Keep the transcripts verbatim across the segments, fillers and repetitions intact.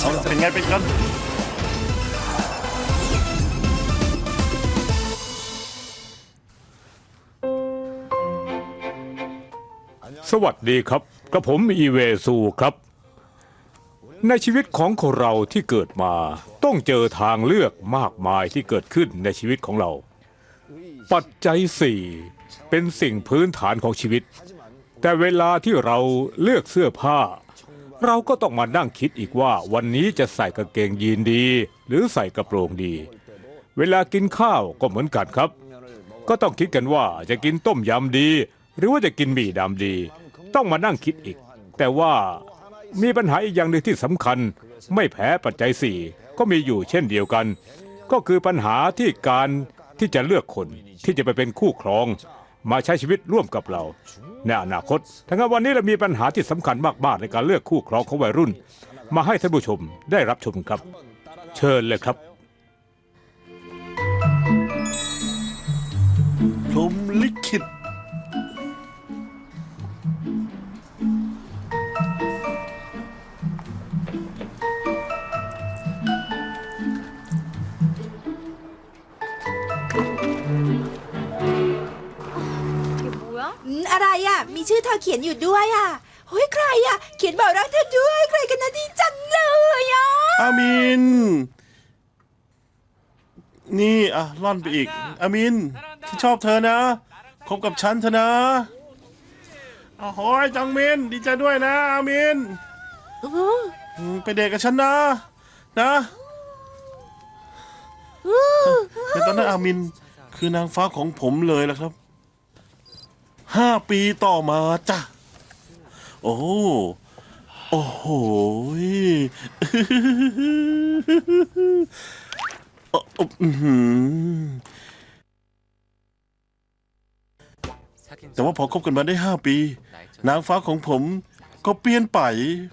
เอาล่ะเป็นไงเป็นกันสวัสดีครับกระผมอีเวซูครับในชีวิตของคนเราที่เกิดมาต้องเจอทางเลือกมากมายที่เกิดขึ้นในชีวิตของเราปัจจัยสี่เป็นสิ่งพื้นฐานของชีวิตแต่เวลาที่เราเลือกเสื้อผ้าเราก็ต้องมานั่งคิดอีกว่าวันนี้จะใส่กางเกงยีนดีหรือใส่กระโปรงดีเวลากินข้าวก็เหมือนกันครับก็ต้องคิดกันว่าจะกินต้มยำดีหรือว่าจะกินหมี่ดำดีต้องมานั่งคิดอีกแต่ว่ามีปัญหาอีกอย่างหนึ่งที่สำคัญไม่แพ้ปัจจัยสี่ก็มีอยู่เช่นเดียวกันก็คือปัญหาที่การที่จะเลือกคนที่จะไปเป็นคู่ครองมาใช้ชีวิตร่วมกับเราในอนาคตทั้งนั้นวันนี้เรามีปัญหาที่สำคัญมากๆในการเลือกคู่ครองของวัยรุ่นมาให้ท่านผู้ชมได้รับชมครับเชิญเลยครับพรหมลิขิตอะไรอ่ะมีชื่อเธอเขียนอยู่ด้วยอ่ะเฮ้ยใครอ่ะเขียนบอกรักเธอด้วยใครกันนะดีจังเลยอ่ะอามินนี่อ่ะล่อนไปอีกอามินที่ชอบเธอนะคบกับฉันเถอะนะโอ้โหจังมินดีใจด้วยนะอามินไปเดทกับฉันนะนะแต่ตอนนั้นอามินคือนางฟ้าของผมเลยล่ะครับห้าปีต่อมาจ้ะโอ้โอ้โหแต่ว่าพอคบกันมาได้ห้าปีนางฟ้าของผมก็เปลี่ยนไป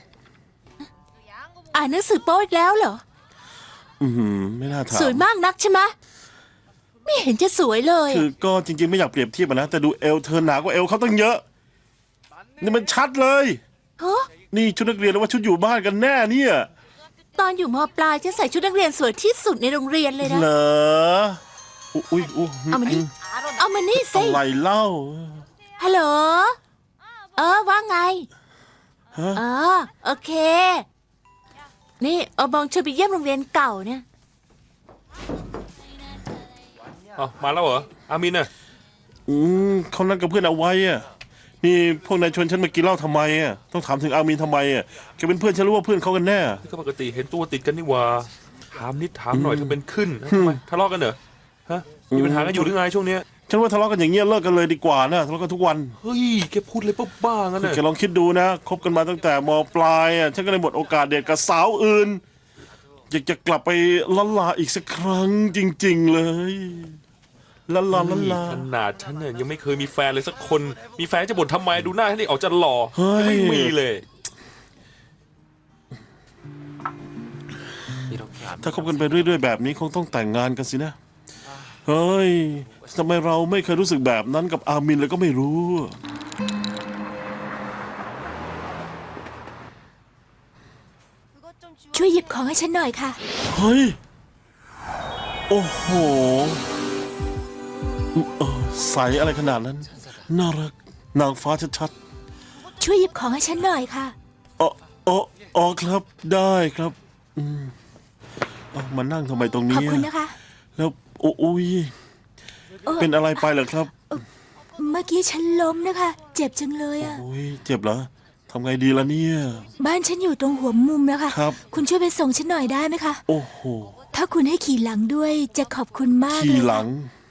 อ่านหนังสือโป๊อีกแล้วเหรออืมไม่น่าถามสวยมากนักใช่ไหมไม่เห็นจะสวยเลยคือก็จริงๆไม่อยากเปรียบเทียบนะแต่ดูเอวเธอหนากว่าเอวเขาตั้งเยอะนี่มันชัดเลยฮะนี่ชุดนักเรียนหรือว่าชุดอยู่บ้านกันแน่เนี่ยตอนอยู่ม.ปลายฉันใส่ชุดนักเรียนสวยที่สุดในโรงเรียนเลยนะเหรออุ้ยอุ้ยเอามานี่เอามานี่สิอะไรเล่าฮัลโหลเออว่าไงฮะอ๋อโอเคนี่เอาบองชวนไปเยี่ยมโรงเรียนเก่าเนี่ยอ๋อมาแล้วเหรออามินน่ะอืมเขานัดกับเพื่อนเอาไว้อ่ะนี่พวกนายชวนฉันมากินเหล้าทำไมอ่ะต้องถามถึงอามินทำไมอ่ะแกเป็นเพื่อนฉันรู้ว่าเพื่อนเขากันแน่ก็ปกติเห็นตัวติดกันนี่ว่าถามนิดถามหน่อยถ้าเป็นขึ้นทำไมทะเลาะกันเหรอฮะมีปัญหากันอยู่หรือไงช่วงเนี้ยฉันว่าทะเลาะกันอย่างเงี้ยเลิกกันเลยดีกว่านะทะเลาะกันทุกวันเฮ้ยแกพูดเลยป้าบ้างั้นน่ะแกลองคิดดูนะคบกันมาตั้งแต่ม.ปลายอ่ะฉันก็เลยหมดโอกาสเดทกับสาวอื่นอยากจะกลับไปล้านลาอีกสักครั้งจริงๆเลยล้านลาล้านลาขนาดฉันเนี่ยยังไม่เคยมีแฟนเลยสักคนมีแฟนจะบ่นทำไมดูหน้าฉันนี่ออกจะหล่อไม่มีเลยถ้าคบกันไปเรื่อยๆแบบนี้คงต้องแต่งงานกันสินะเฮ้ยทำไมเราไม่เคยรู้สึกแบบนั้นกับอามินเลยก็ไม่รู้ช่วยหยิบของให้ฉันหน่อยค่ะเฮ้ยโอ้โหใสอะไรขนาดนั้นน่ารักนางฟ้าชัดๆช่วยหยิบของให้ฉันหน่อยค่ะอ๋ออ๋ออ๋อครับได้ครับอืมเอามานั่งทำไมตรงนี้ขอบคุณนะคะแล้วโอ้ยเป็นอะไรไปเหรอครับเมื่อกี้ฉันล้มนะคะเจ็บจังเลยอ่ะโอ้ยเจ็บเหรอทำไงดีล่ะเนี่ยบ้านฉันอยู่ตรงหัวมุมนะคะครับคุณช่วยไปส่งฉันหน่อยได้ไหมคะโอ้โหถ้าคุณให้ขี่หลังด้วยจะขอบคุณมากเลยขี่หลัง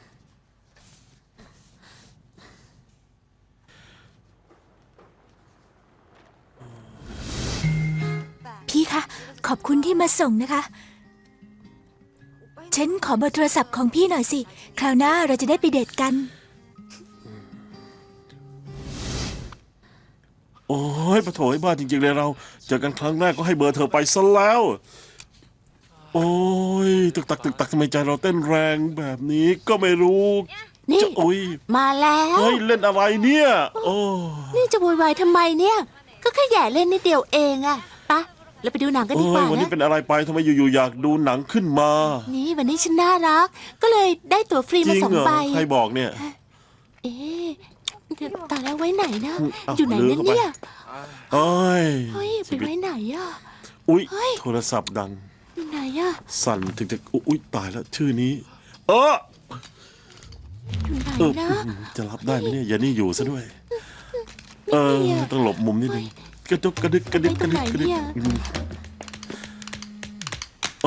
พี่คะขอบคุณที่มาส่งนะคะฉันขอเบอร์โทรศัพท์ของพี่หน่อยสิคราวหน้าเราจะได้ไปเดทกันโอ้ยปะโถยบ้าจริงๆเลยเราเจอกันครั้งแรกก็ให้เบอร์เธอไปซะแล้วโอ้ยตึกตักตึกตักทำไมใจเราเต้นแรงแบบนี้ก็ไม่รู้นี่มาแล้วเฮ้ยเล่นอะไรเนี่ยโอ้นี่จะโวยวายทำไมเนี่ยก็แค่แย่เล่นนิดเดียวเองอะปะเราไปดูหนังกันเอ้ดีกว่ายวันนี้นะเป็นอะไรไปทำไมอยู่ๆอยากดูหนังขึ้นมานี่วันนี้ฉันน่ารัก ก็เลยได้ตั๋วฟรีจมาริงสองเหรอใบใครบอกเนี่ยเอ๊ะเดี๋ยวตายแล้วไว้ไหนนะเอ้าอยู่ไหนลืนั่มนเข้าไปเนี่ยเอ้ยเฮ้ยไปไว้ไหนอ่ะอุ๊ยเฮ้ยโทรศัพท์ดังอยู่ไหนอ่ะสั่นถึงจะอุ๊ยตายแล้วชื่อนี้ เอออยู่ไหนเออนะจะรับได้ไหมเนี่ยอย่านี่อยู่ซะด้วย เออไม่มีอะต้องหลบมุมนิดนึงกระดุกกระดึกกระดึกกระดึกกระดึกไปตรงไหนเนี่ยอืมโอ้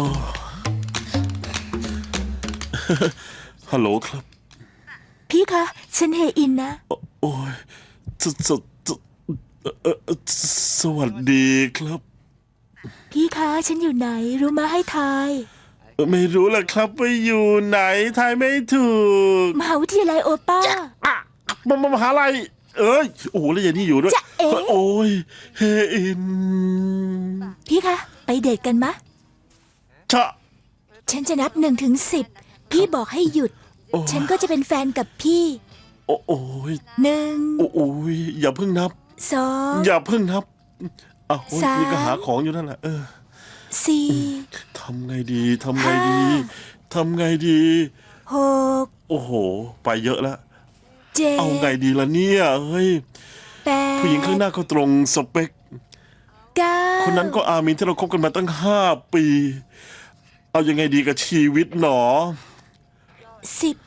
ฮัลโหลครับพี่คะ ฉันเฮอินนะโอ้ยสสสเอ่อเอ่อสวัสดีครับพี่คะ ฉันอยู่ไหน รู้มาให้ทายเอ่อไม่รู้ล่ะครับว่าอยู่ไหนทายไม่ถูกมหาวิทยาลัยโอป้าอ่ะมามามหาลัยเอ้ยโอ้โหแล้วอย่างนี้อยู่ด้วยจะเอ๋โอ้ยเฮอินพี่คะ ไปเดทกันมะชะฉันจะนับหนึ่งถึงสิบ พี่บอกให้หยุดโอ้ฉันก็จะเป็นแฟนกับพี่โอ้โอ้ยหนึ่งโอ้โอ้ยอย่าเพิ่งนับสองอย่าเพิ่งนับอ้าวโอ้ยสามนี่ก็หาของอยู่นั่นแหละเออสี่ทำไงดีทำไงดีห้าทำไงดีหกโอ้โห ไปเยอะแล้วเจ็ดเอาไงดีล่ะเนี่ยเฮ้ยแปดผู้หญิงข้างหน้าก็ตรงสเปคเก้าคนนั้นก็อามินที่เราคบกันมาตั้งห้าปี เอายังไงดีกับชีวิตหนอสิบ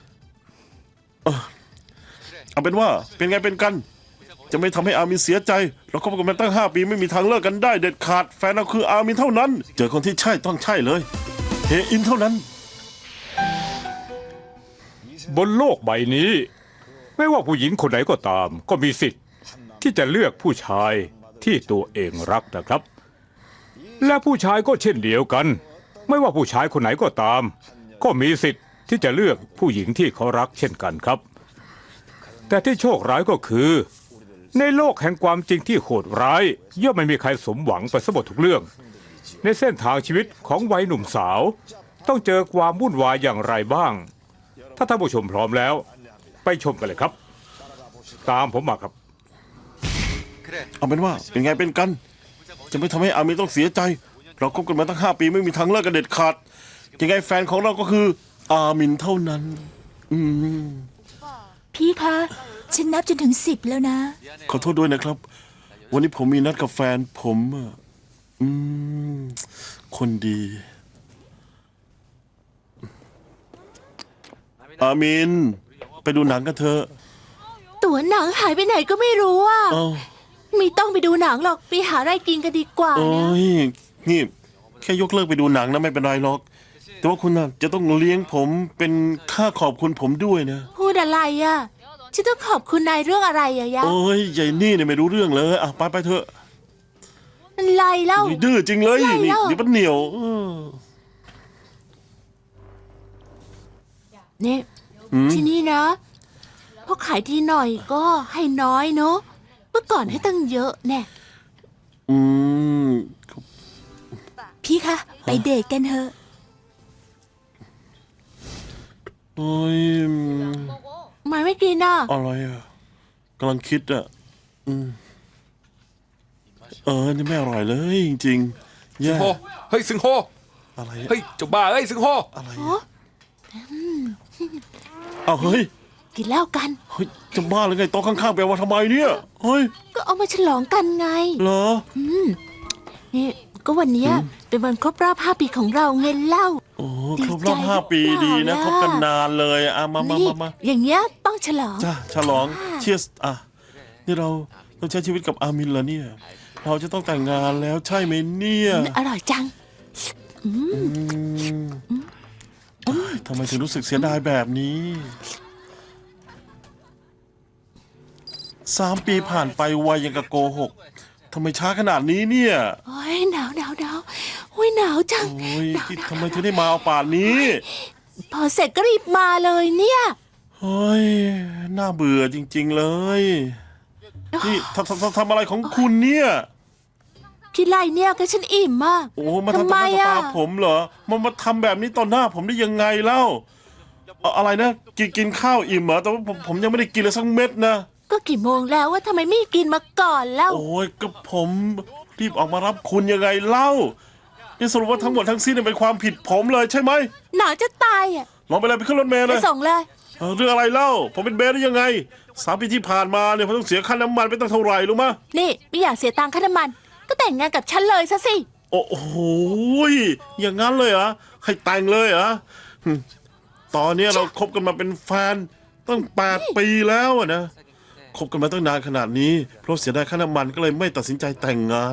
เอาเป็นว่าเป็นไงเป็นกัน จะไม่ทำให้อามินเสียใจ เราคบกันมาตั้งห้าปีไม่มีทางเลิกกันได้เด็ดขาดแฟนเราคืออามินเท่านั้น เจอคนที่ใช่ต้องใช่เลยเฮอินเท่านั้นบนโลกใบนี้ ไม่ว่าผู้หญิงคนไหนก็ตาม ก็มีสิทธิ์ที่จะเลือกผู้ชายที่ตัวเองรักนะครับ และผู้ชายก็เช่นเดียวกัน ไม่ว่าผู้ชายคนไหนก็ตาม ก็มีสิทธิ์ที่จะเลือกผู้หญิงที่เขารักเช่นกันครับ แต่ที่โชคร้ายก็คือ ในโลกแห่งความจริงที่โหดร้ายย่อมไม่มีใครสมหวังไปซะหมดทุกเรื่อง ในเส้นทางชีวิตของวัยหนุ่มสาว ต้องเจอความวุ่นวายอย่างไรบ้าง ถ้าท่านผู้ชมพร้อมแล้ว ไปชมกันเลยครับ ตามผมมาครับเอาเป็นว่าเป็นไงเป็นกัน จะไม่ทำให้อามินต้องเสียใจ เราคบกันมาตั้งห้าปีไม่มีทางเลิกกันเด็ดขาดยังไงแฟนของเราก็คือ อามินเท่านั้น อืมพี่คะ ฉันนับจนถึงสิบแล้วนะขอโทษด้วยนะครับ วันนี้ผมมีนัดกับแฟนผมอะอืม คนดี อามิน ไปดูหนังกันเถอะตั๋วหนังหายไปไหนก็ไม่รู้อ่ะเอ้าไม่ต้องไปดูหนังหรอก ไปหาอะไรกินกันดีกว่าโอ้นะยนี่แค่ยกเลิกไปดูหนังนะไม่เป็นไรหรอก แต่ว่าคุณน่ะจะต้องเลี้ยงผมเป็นค่าขอบคุณผมด้วยนะพูดอะไรอ่ะ ฉันต้องขอบคุณนายเรื่องอะไรอะยะโอ้ยใหญ่นี่เนี่ยไม่รู้เรื่องเลยอ่ะไปไปเถอะอะไรเล่าเฮ้ยดื้อจริงเลยไม่นี่เล่าเดี๋ยวมันเหนียวเออเนี่ยอืมที่นี่นะพอขายทีหน่อยก็ให้น้อยเนาะ เมื่อก่อนให้ตั้งเยอะแน่อืมพี่คะ ไปเดทกันเถอะโอ้ยทำไมไม่กินอ่ะอะไรอ่ะกำลังคิดอ่ะอืมเออนี่ไม่อร่อยเลยจริงๆแย่โฮเฮ้ยสิงโฮอะไรเฮ้ยเจ้าบ้าเฮ้ยสิงโฮอะไรโอ้เอาเฮ้ยกินเหล้ากันเฮ้ยจะบ้าหรือไงโต๊ะข้างๆไปว่าทำไมเนี่ยเฮ้ยก็เอามาฉลองกันไงเหรอนี่ก็วันเนี้ยเป็นวันครบรอบห้าปีของเราเงินเหล้าโอ้ดีครบใจรอบห้าปีหรือเปล่าดีนะล่ะคบกันนานเลยอ่ะมามานี่มามาอย่างเงี้ยต้องฉลองจ้าฉลองเชียร์อ่ะนี่เราเราใช้ชีวิตกับอามินเหรอเนี่ย เราจะต้องแต่งงานแล้วใช่ไหมเนี่ยอร่อยจังอืมเฮ้ยทำไมถึงรู้สึกเสียดายแบบนี้สามปีผ่านไปไวยังกับโกหกทำไมช้าขนาดนี้เนี่ยโอ้ยหนาวหนาวหนาวโอ้ยหนาวจังโอ้ยหนาวหนาวทำไมถึงได้มาเอาป่านนี้พอเสร็จก็รีบมาเลยเนี่ยเฮ้ยน่าเบื่อจริง ๆเลยนี่ทำทำทำทำอะไรของคุณเนี่ยคิดไรเนี่ยก็ฉันอิ่มมากโอ้มาทำทำต่อไมหน้าต่ออ่ะตาผมเหรอมันมาทำแบบนี้ต่อหน้าผมได้ยังไงเล่าเอาอะไรนะกินกินข้าวอิ่มเหรอแต่ว่าผมผมยังไม่ได้กินเลยสักเม็ดนะก็กี่โมงแล้วว่าทำไมไม่กินมาก่อนแล้วโอ้ยก็ผมรีบออกมารับคุณยังไงเล่านี่สรุปว่าทั้งหมดทั้งสิ้นเนยเป็นความผิดผมเลยใช่ไหมหนาวจะตายอ่ะลองไปเลยไปขึ้นรถเมล์ไปเลยส่งเลยเออเรื่องอะไรเล่าผมเป็นเบสได้ยังไงสามปีที่ผ่านมาเนี่ยผมต้องเสียค่าน้ำมันไปตั้งเท่าไหร่รู้มะนี่ไม่อยากเสียตังค่าน้ำมัน ก็แต่งงานกับฉันเลยซะสิโอ้โหยอย่างนั้นเลยเหรอให้แต่งเลยเหรอหึตอนนี้เราคบกันมาเป็นแฟนตั้งแปดปีแล้วอะนะคบกันมาตั้งนานขนาดนี้เพราะเสียดายค่าน้ำมันก็เลยไม่ตัดสินใจแต่งงาน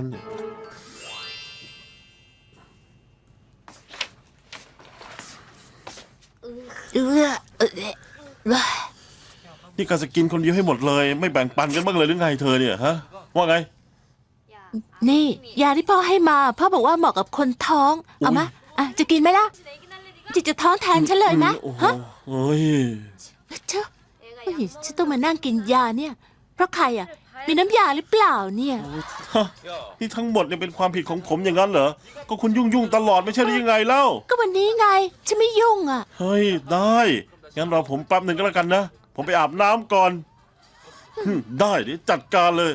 เออเออเออนี่การจะกินคนเดียวให้หมดเลย ไม่แบ่งปันกันบ้างเลยหรือไงเธอเนี่ยฮะว่าไงนี่ยาที่พ่อให้มาพ่อบอกว่าเหมาะกับคนท้อง เอามาอ่ะจะกินไหมล่ะจิตจะท้องแทนฉันเลยนะโอ้โหฮะเฮ้ยเจ้าเฮ้ยฉันต้องมานั่งกินยาเนี่ย เพราะใครอ่ะ มีน้ำยาหรือเปล่าเนี่ยฮะนี่ทั้งหมดเนี่ยเป็นความผิดของผมอย่างนั้นเหรอก็คุณยุ่งยุ่งๆตลอดไม่ใช่หรือยังไงเล่าก็วันนี้ไงฉันไม่ยุ่งอ่ะเฮ้ยได้งั้นรอผมแป๊บหนึ่งก็แล้วกันนะผมไปอาบน้ำก่อนหึได้เดี๋ยวจัดการเลย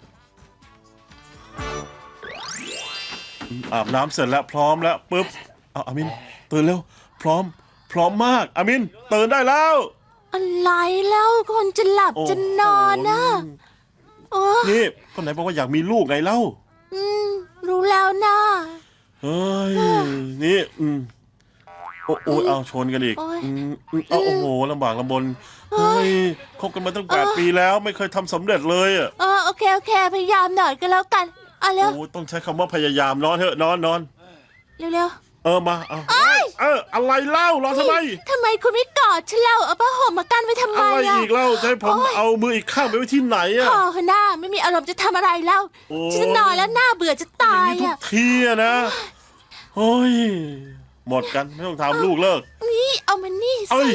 อาบน้ำเสร็จแล้วพร้อมแล้วปุ๊บเอาอามินตื่นเร็วพร้อม พร้อมมากอามินตื่นได้แล้วอะไรแล้วคนจะหลับโอ้จะนอนนะโอ้นี่คนไหนบอกว่าอยากมีลูกไงเล่าอืมรู้แล้วนะเฮ้ยนี่อืมโอ้โอ้ยเอาชนกันอีกโอ้ยอืมอืมเอาโอ้โหลำบากลำบนเฮ้ยคบกันมาตั้งแปดปีแล้วไม่เคยทำสำเร็จเลยอ่ะเออโอเคโอเค พยายามหน่อยก็แล้วกันเอาเร็วโอ้ต้องใช้คำว่าพยายามนอนเถอะนอนนอนเร็วเร็วเออมาเอาเอออะไรเล่ารอทำไมทำไมคุณไม่กอดฉันเล่าเอาผ้าห่มมากั้นไว้ทำไมอะไรอ่ะอีกเล่าจะให้ผมโอ้ยเอามืออีกข้างไปไว้ที่ไหนอ่ะพอค่ะหน้าไม่มีอารมณ์จะทำอะไรแล้วโอ้ฉันจะนอนแล้วหน้าเบื่อจะตายนี่ทุกอ่ะทีอะนะโอ้ยหมดกันไม่ต้องทำลูกเลิกนี่เอามานี่เอ้สิย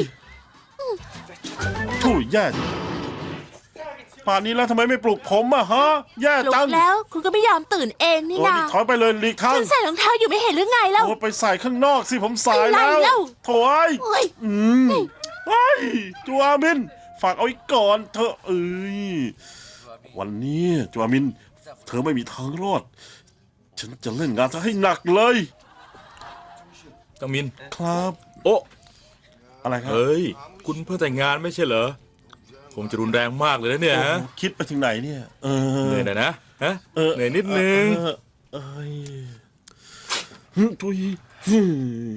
ถูแย่ป่านนี้แล้วทำไมไม่ปลุกผมอะฮะแย่ปลุจักงแล้วคุณก็ไม่ยอมตื่นเองนี่โอ้ยนะถอยไปเลยหลีกทางฉันใส่รองเท้าอยู่ไม่เห็นหรือไงเล่าโอ้ยไปใส่ข้างนอกสิผมสายอะไรแล้วเล่าโถ่ยโอ้ยอืมเฮ้ยจูอามิน ฝากเอาไว้ก่อนเธอะเอ้ยวันนี้จูอามิน เธอไม่มีทางรอด ฉันจะเล่นงานเธอให้หนักเลยตังมินครับโอ้อะไรครับเฮ้ย คุณเพิ่งแต่งงานไม่ใช่เหรอ คงจะรุนแรงมากเลยนะเนี่ยฮะโอ้คิดไปถึงไหนเนี่ย เออเหนื่อยหน่อยนะฮะเออเหนื่อยนิดนึงเออเอ้ยหึทุยหึ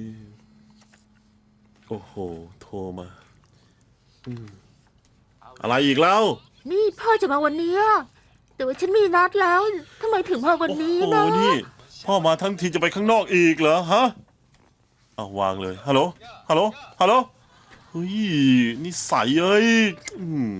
โอ้โห โทรมาอืมอะไรอีกแล้วนี่พ่อจะมาวันนี้อะแต่ว่าฉันมีนัดแล้วทำไมถึงมาวันนี้โอ้โหนะนี่พ่อมาทั้งทีจะไปข้างนอกอีกเหรอฮะเอาวางเลยฮัลโหลฮัลโหลฮัลโหลเฮ้ยนี่ใสเอ้ยอืม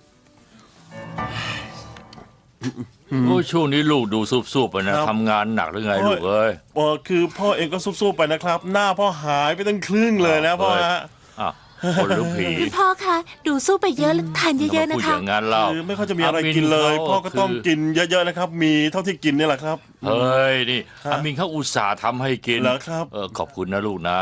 โอ้ยช่วงนี้ลูกดูซุบๆไปนะครับ ทำงานหนักหรือไงโอ้ยลูกเอ้ยเออคือพ่อเองก็สู้ๆไปนะครับ หน้าพ่อหายไปตั้งครึ่งเลยนะพ่อฮะอ่ะคนหรือผีคุณพ่อคะดูสู้ไปเยอะแล้วทานเยอะๆมานะพูดอคะย่างนั้นเล่าคือไม่ค่อยจะมีอะไรกินเลยอามินพ่อก็ต้องคือกินเยอะๆนะครับ มีเท่าที่กินนี่แหละครับเฮ้ยนี่ฮะอามินเขาอุตส่าห์ทำให้กินเหรอครับเออขอบคุณนะลูกนะ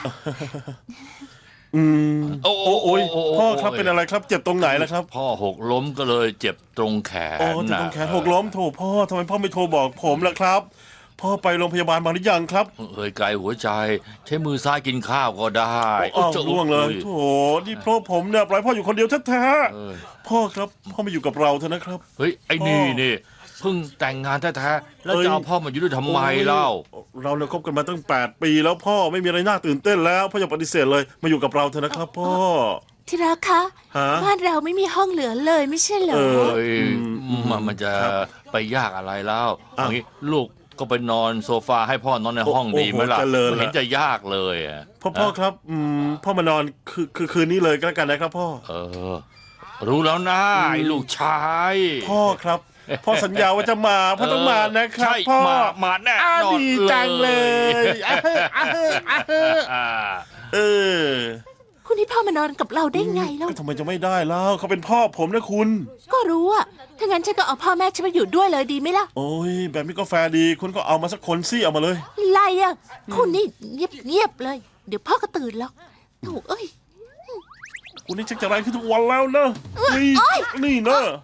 อืมโอ้โอ้โอ้ยโอ้พ่อครับเป็นอะไรครับเจ็บตรงไหนล่ะครับพ่อหกล้มก็เลยเจ็บตรงแขนโอ้เจ็บตรงแขนหกล้มโถพ่อทำไมพ่อไม่โทรบอกผมล่ะครับ พ่อไปโรงพยาบาลมาหรือยังครับเอ้ยไกลหัวใจ ใช้มือซ้ายกินข้าวก็ได้อ้าวโจะล่วงเลยโถนี่เพราะผมเนี่ยปล่อยพ่ออยู่คนเดียวแท้เออๆพ่อครับพ่อมาอยู่กับเราเถอะนะครับเฮ้ยไอ้นี่นี่เพิ่งแต่งงานแท้ๆแล้วเอ้ยจะเอาพ่อมาอยู่ด้วยทำไมเล่าเราเนี่ยคบกันมาตั้งแปดปีแล้วพ่อไม่มีอะไรน่าตื่นเต้นแล้วพ่ออย่าปฏิเสธเลยมาอยู่กับเราเถอะนะครับ พ่อที่รักคะฮะบ้านเราไม่มีห้องเหลือเลยไม่ใช่เหรอเออเฮ้ยมันมันจะไปยากอะไรแล้วอ่ะอย่างนี้ลูกก็ไปนอนโซฟาให้พ่อนอนในห้องโอ้โหดีไหมล่ะเจริญละไม่เห็นจะยากเลยอะพ่อพ่อครับอืมพ่อมานอนคือคือคืนนี้เลยก็แล้วกันนะครับพ่อเออ รู้แล้วนะไอ้ลูกชายพ่อครับ พ่อสัญญาว่าจะมาพ่อต้องมานะครับใช่พ่อมามาแน่อ้านอนดีจังเลยอ่ะเฮ้ออ่ะเฮ้ออ่ะเฮ้ออ่าเออคุณให้พ่อมานอนกับเราได้ไงแล้วก็ทำไมจะไม่ได้แล้วเขาเป็นพ่อผมนะคุณก็รู้อะถ้างั้นฉันก็เอาพ่อแม่ฉันมาอยู่ด้วยเลยดีไหมล่ะโอ้ยแบบนี้ก็แฟร์ดี คุณก็เอามาสักคนสิเอามาเลยไรอะคุณนี่เงียบเงียบๆเลย เดี๋ยวพ่อก็ตื่นแล้วโถูกเอ้ยคุณนี่ชักจะไรขึ้นทุกวันแล้วนะนี่นี่นะ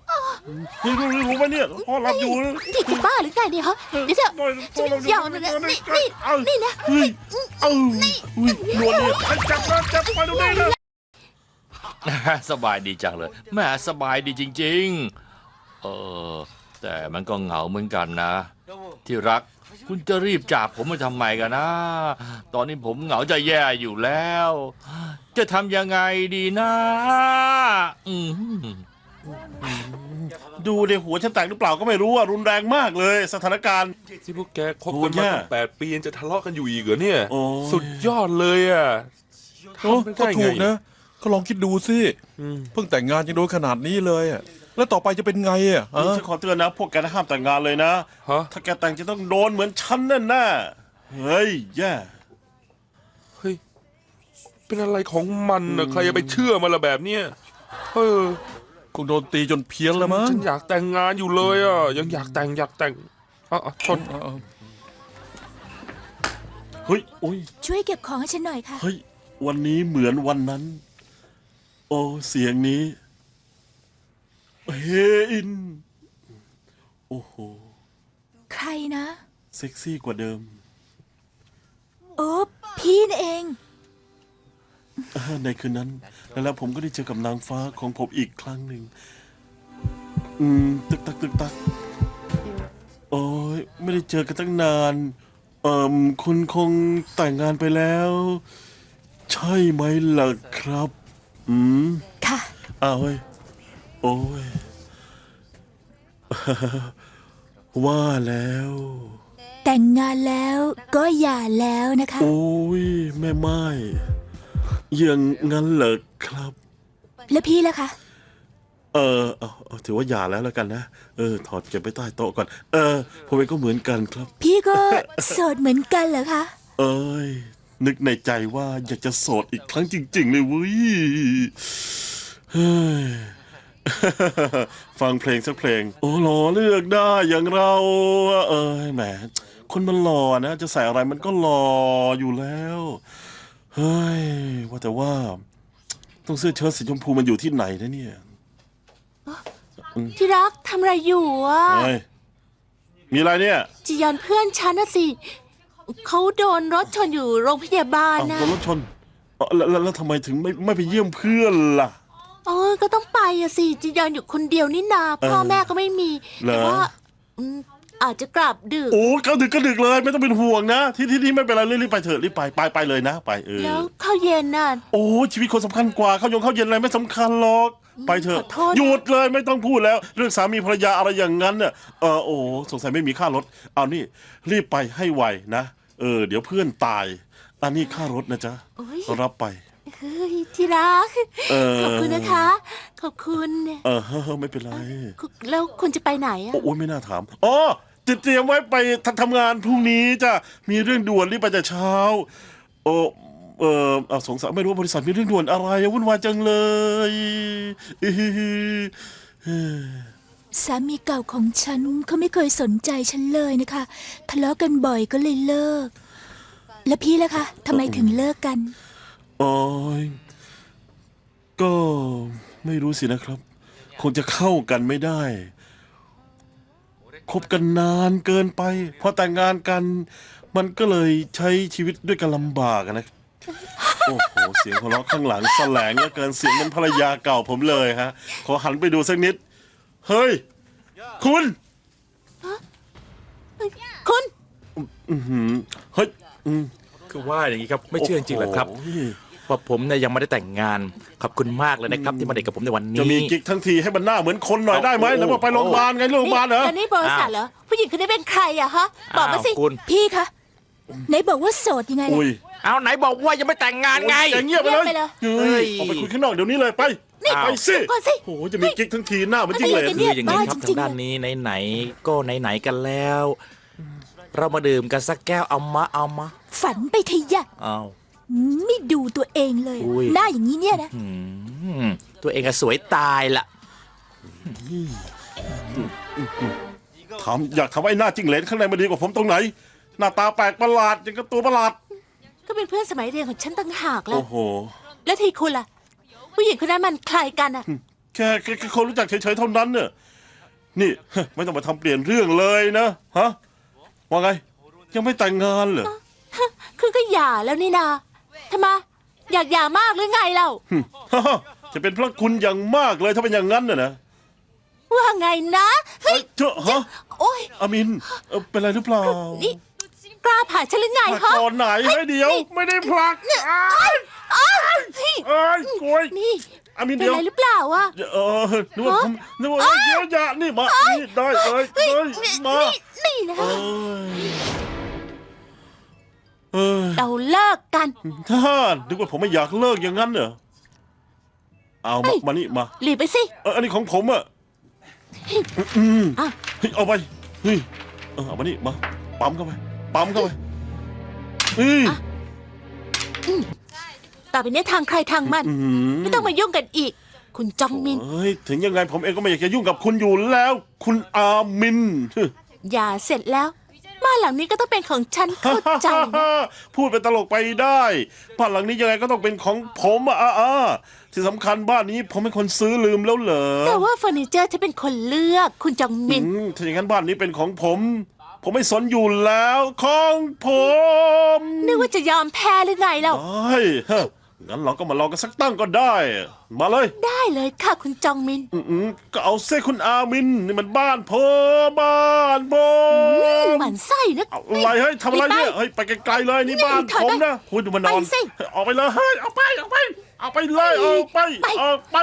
นี่รู้รู้ไหมเนี่ยพ่อหลับอยู่นะนี่คุณบ้าหรือไงเนี่ยฮะเดี๋ยวเถอะพ่อหลับอยู่ยาวหนึ่งนะนี่นี่เอานี่นะเฮ้ยเอ้าอุ้ยนวลเนี่ยให้จับนะจับไปตรงนี้นะสบายดีจังเลยแหม่สบายดีจริงๆ เออ แต่มันก็เหงาเหมือนกันนะ ที่รักคุณจะรีบจากผมมาทำไมกันนะ ตอนนี้ผมเหงาจะแย่อยู่แล้ว จะทำยังไงดีนะอืมดูในหัวฉันแตกหรือเปล่าก็ไม่รู้อ่ะรุนแรงมากเลยสถานการณ์ที่พวกแกคบกันมาตั้งแปดปียังจะทะเลาะกันอยู่อีกเหรอเนี่ยโอ้ยสุดยอดเลยอ่ะโอ้ทำไปก็ได้ไงถูกนะ ก็ลองคิดดูสิ เพิ่งแต่งงานยังโดนขนาดนี้เลยอะแล้วต่อไปจะเป็นไงอ่ะนี่ฮะฉันขอเตือนนะพวกแกห้ามแต่งงานเลยนะฮะถ้าแกแต่งจะต้องโดนเหมือนฉันแน่แน่ๆเฮ้ยแย่เฮ้ยเป็นอะไรของมันนะใครจะไปเชื่อมันละแบบเนี้ยเออคงโดนตีจนเพี้ยนแล้วมั้งฉันอยากแต่งงานอยู่เลยอ่ะยังอยากแต่งอยากแต่งอ่ะอ่ะชนเอาเอาเฮ้ยโอ้ยช่วยเก็บของให้ฉันหน่อยค่ะเฮ้ยวันนี้เหมือนวันนั้น โอ้เสียงนี้เฮอินโอ้โหใครนะเซ็กซี่กว่าเดิมโอ้พี่นั่นเองอ่าในคืนนั้น แล้วผมก็ได้เจอกับนางฟ้าของผมอีกครั้งหนึ่ง อืม ตึกตักตึกตัก โอ้ยไม่ได้เจอกันตั้งนาน เอ่มคุณคงแต่งงานไปแล้ว ใช่ไหมล่ะครับ อืมค่ะอ้าวเฮ้ย โอ้ย ว่าแล้วแต่งงานแล้วก็หย่าแล้วนะคะโอ้ย แม่ไม้อย่างงั้นเหรอครับแล้วพี่ล่ะคะเออเอาเอาถือว่าหย่าแล้วแล้วกันนะ เออ ถอดเก็บไปใต้โต๊ะก่อน เออ ผมเองก็เหมือนกันครับพี่ก็ โสดเหมือนกันเหรอคะเอ้ย นึกในใจว่าอยากจะโสดอีกครั้งจริง ๆ เลยเว้ยเฮ้ย ฟังเพลงสักเพลง โอ้หล่อเลือกได้อย่างเรา เอ้ยแหม คนมันหล่อนะ จะใส่อะไรมันก็หล่ออยู่แล้ว เฮ้ย ว่าแต่ว่า ต้องเสื้อเชิ้ตสีชมพูมันอยู่ที่ไหนนะเนี่ยที่รักทำอะไรอยู่อ่ะเฮ้ย มีอะไรเนี่ยจียอนเพื่อนฉันนะสิ เขาโดนรถชนอยู่โรงพยาบาลอ้าวนะโดนรถชนเอ้าแล้วแล้วแล้วทำไมถึงไม่ไม่ไปเยี่ยมเพื่อนล่ะเออก็ต้องไปอะสิจียอนอยู่คนเดียวนี่นาพ่อแม่ก็ไม่มีเหรอแต่ว่าอืมอาจจะกลับดึกโอ้ก็ดึกก็ดึกเลยไม่ต้องเป็นห่วงนะ ที่ที่นี่ไม่เป็นไรรีบไปเถอะรีบไปไปไปเลยนะ ไปเออแล้วข้าวเย็นน่ะโอ้ชีวิตคนสำคัญกว่าเข้ายงเข้าเย็นอะไรไม่สำคัญหรอก ไปเถอะขอโทษนะหยุดเลยไม่ต้องพูดแล้ว เรื่องสามีภรรยาอะไรอย่างนั้นเนี่ยเออโอ้สงสัยไม่มีค่ารถเอานี่ รีบไปให้ไวนะเออ เดี๋ยวเพื่อนตาย อันนี้ค่ารถนะจ๊ะโอ้ยรับไปเฮ้ยที่รักเออขอบคุณนะคะ ขอบคุณเออเฮ้อไม่เป็นไรคุณแล้วคุณจะไปไหนอะโอ้ยไม่น่าถามอ๋อเตรียมไว้ไปทำทำงานพรุ่งนี้จ้ะมีเรื่องด่วนรีบไปแต่เช้า โอ้เออเอาสงสัยไม่รู้ว่าบริษัทมีเรื่องด่วนอะไรวุ่นวายจังเลยอื้อหือสามีเก่าของฉันเขาไม่เคยสนใจฉันเลยนะคะ ทะเลาะกันบ่อยก็เลยเลิก แล้วพี่ล่ะคะทำไมถึงเลิกกันโอ้ยก็ไม่รู้สินะครับ คงจะเข้ากันไม่ได้ คบกันนานเกินไป พอแต่งงานกัน มันก็เลยใช้ชีวิตด้วยกันลำบากอะนะ โอ้โห เสียงหัวเราะข้างหลังแสลงเหลือเกินเสียงเป็นภรรยาเก่าผมเลยฮะ ขอหันไปดูสักนิด เฮ้ย คุณคุณอื้อหือเฮ้ยอืมคือว่าอย่างนี้ครับไม่เชื่อจริงๆเหรอครับโอ้โหว่าผมเนี่ยยังไม่ได้แต่งงานขอบคุณมากเลยนะครับ ที่มาเด็กกับผมในวันนี้จะมีกิ๊กทั้งทีให้มันหน้าเหมือนคนหน่อยได้ไหมโอ้โหแล้วว่าไปโรงพยาบาลไงโรงพยาบาลเหรอแล้วนี่บริษัทเหรอ ผู้หญิงคนนี้เป็นใครอะฮะ บอกมาสิอ้าวคุณพี่คะไหนบอกว่าโสดยังไงล่ะอุ้ยเอาไหนบอกว่ายังไม่แต่งงานไงแกเงียบไปเลยเงียบไปเลยเฮ้ยเฮ้ยออกไปคุยข้างนอกเดี๋ยวนี้เลยไปนี่ไปสิก่อนสิโอ้โหจะมีกิ๊กทั้งทีหน้าเหมันจิ้งเหลนอะไรกันเนี่คืออย่างนี้ครับบ้าจริทางๆด้านนี้ไหนๆก็ไหนๆกันแล้ว เรามาดื่มกันสักแก้วเอามาเอามาฝันไปเทยะเอาไม่ดูตัวเองเลยอุ้ยหน้าอย่างนี้เนี่ยนะอืมตัวเองก็สวยตายละถามอยากถามว่าไอ้หน้าจิ้งเหลนข้างในมันดีกว่าผมตรงไหน หน้าตาแปลกประหลาดอย่างกับตัวประหลาดก็เป็นเพื่อนสมัยเรียนของฉันต่างหากแล้โอ้วโหแล้วทีคุณล่ะ ผู้หญิงคนนั้นมันใครกันอะแค่แค่แค่คนรู้จักเฉยๆเท่านั้นเนี่ยนี่ ไม่ต้องมาทำเปลี่ยนเรื่องเลยนะฮะว่าไงยังไม่แต่งงานเหรอคือก็หย่าแล้วนี่นาทำไมอยากหย่ามากหรือไงเล่าจะเป็นพระคุณอย่างมากเลยถ้าเป็นอย่างนั้นน่ะนะว่าไงนะเฮ้เอ้ยยเจ้าฮะโอ้ยอามินเอ่อเป็นไรหรือเปล่านี่กล้าผ่าฉันหรือไงผลักฮะตอนไหนให้เดียว ไม่ได้ผลักอ้ายอ้าวเฮ้ยเอ้ยกล้วยนี่อามินเป็นเดียวไรหรือเปล่าวะเออนึกว่าผมนึกว่าเดี๋ยวอย่านี่มานี่ได้เลยเฮ้ยเลยมานี่นี่นะเอ้ยเออเราเลิกกันท่านนึกว่าผมไม่อยากเลิกอย่างนั้นเหรอเอาเฮ้มาย มานี่มาหลีบไปสิเอออันนี้ของผมอ่ะอืมอ่ะเฮ้ยเอาไปเฮ้ยเออเอามานี่มาปั๊มเข้าไปปั๊มเข้าไปเฮ้ยต่อไปนี้ทางใครทางมันอืมไม่ต้องมายุ่งกันอีก คุณจองมินเฮ้ยถึงยังไงผมเองก็ไม่อยากจะยุ่งกับคุณอยู่แล้ว คุณอามินอย่าเสร็จแล้วบ้านหลังนี้ก็ต้องเป็นของฉันเข้าใจนะพูดเป็นตลกไปได้บ้านหลังนี้ยังไงก็ต้องเป็นของผมอะอ่ะอ่ะที่สำคัญบ้านนี้ผมเป็นคนซื้อลืมแล้วเหรอแต่ว่าเฟอร์นิเจอร์จะเป็นคนเลือก คุณจองมินอืมถ้าอย่างนั้นบ้านนี้เป็นของผม ผมไม่สนอยู่แล้วของผมนึกว่าจะยอมแพ้หรือไงเราได้ฮะงั้นเราก็มาลองกันสักตั้งก็ได้ มาเลยได้เลยค่ะคุณจองมินอืมก็เอาเส้คุณอามินนี่มันบ้านผมบ้านผมหมันไส้นะเอาอะไรเฮ้ยทำอะไรเนี่ยเฮ้ยไปไกลๆเลยนี่บ้านถอยผไปมนะคุณดูมานอนไปสิออกไปเลยเฮ้ยเอาไปเอาไปเอาไปเลยเอาไปไปเอาไป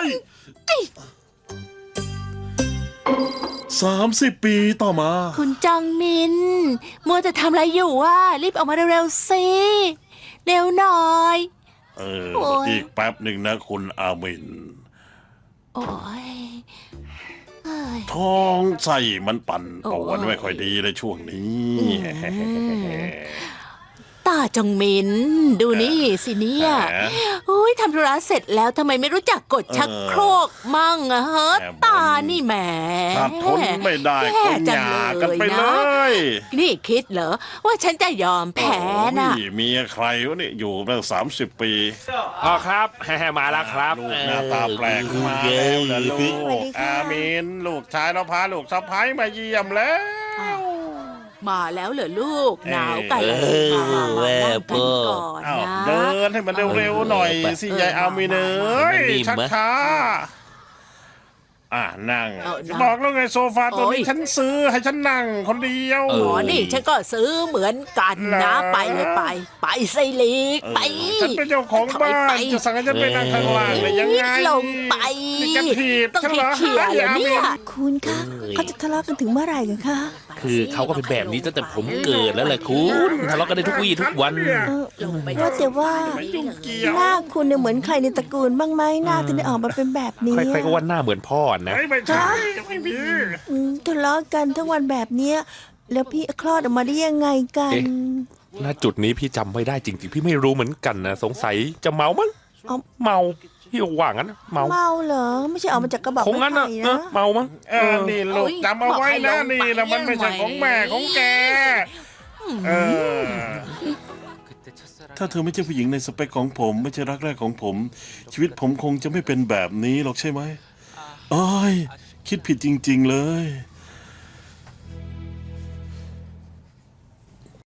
สามสิบปีต่อมาคุณจองมิน มัวแต่ทำอะไรอยู่วะรีบออกมาเร็วๆสิเร็วหน่อยเออโอ้ยอีกแป๊บหนึ่งนะคุณอามินโอ้ยเอ้ยท้องใส่มันปั่นป่วนโอ้ยไม่ค่อยดีเลยช่วงนี้ตาจองมิน ดูนี่สิเนี่ยแหมโอ้ยทำธุระเสร็จแล้วทำไมไม่รู้จักกดชักโครกมั่งอะฮะแหมตานี่แหมถ้าทนไม่ได้แย่ก็หจังย่าเลยกันไปเลนะยนี่คิดเหรอ ว่าฉันจะยอมแพ้น่ะโอ้ยเมียใครวะเนี่ยอยู่มาสามสิบปีอ๋อครับ แฮ่ๆมาแล้วครับลูกหน้าตาแปลกมาแล้วนะลูกอามินลูกชายเราพาลูกสะพ้ายมาเยี่ยมแล้วมาแล้วเหรอลูก หนาวกันเอแล้วสิอมามามาแม่นั่งพ่กันอก่อนอ้าวนะเดินให้มันเร็วๆหน่อยสิยายอามินเอ้ยนิ่มๆชักไหมช้าอ่ะนั่งเอานั่งบอกแล้วไงโซฟาตัวนี้โอ้ยฉันซื้อให้ฉันนั่งคนเดียวอ๋อนี่ฉันก็ซื้อเหมือนกันนะเหรอไปเลยไป ไปสิลีกเออไปฉันเป็นเจ้าของบ้าถอยไปนจะสั่งให้ฉันไปนั่งข้างล่างเลยยังไงลงไปนี่แกถีบต้องฉันเหรอเคลียร์เหรอเนี่ยคุณคะเขาจะทะเลาะกันถึงเมื่อไหร่กันคะคือเขาก็เป็นแบบนี้ตั้งแต่ผมเกิดแล้วแหละคุณทะเลาะกันได้ทุกวี่ทุกวันเออว่าแต่ว่าไม่ยุ่งเกี่ยวหน้าคุณเนี่ยเหมือนใครในตระกูลบ้างไหมหน้าถึงได้ออกมาเป็นแบบนี้ใครๆก็ว่าหน้าเหมือนพ่อนะเฮ้ยไม่ใช่ไม่มีอืมทะเลาะกันทั้งวันแบบเนี้ยแล้วพี่คลอดออกมาได้ยังไงกันเอ๊ะ ณจุดนี้พี่จำไม่ได้จริงๆ พี่ไม่รู้เหมือนกันนะสงสัยจะเมามั้งเอาเมาพี่ว่างั้นนะเมาเมาเหรอไม่ใช่ออกมาจากกระบอกคงงั้นไม้นะไผ่เออนะเมามั้งเออนี่ลูกจำเอาไว้นะนี่นะมันไม่ใช่ของแม่ของแกเออถ้าเธอไม่ใช่ผู้หญิงในสเปคของผม ไม่ใช่รักแรกของผม ชีวิตผมคงจะไม่เป็นแบบนี้หรอกใช่ไหมอ้อยคิดผิดจริง ๆเลย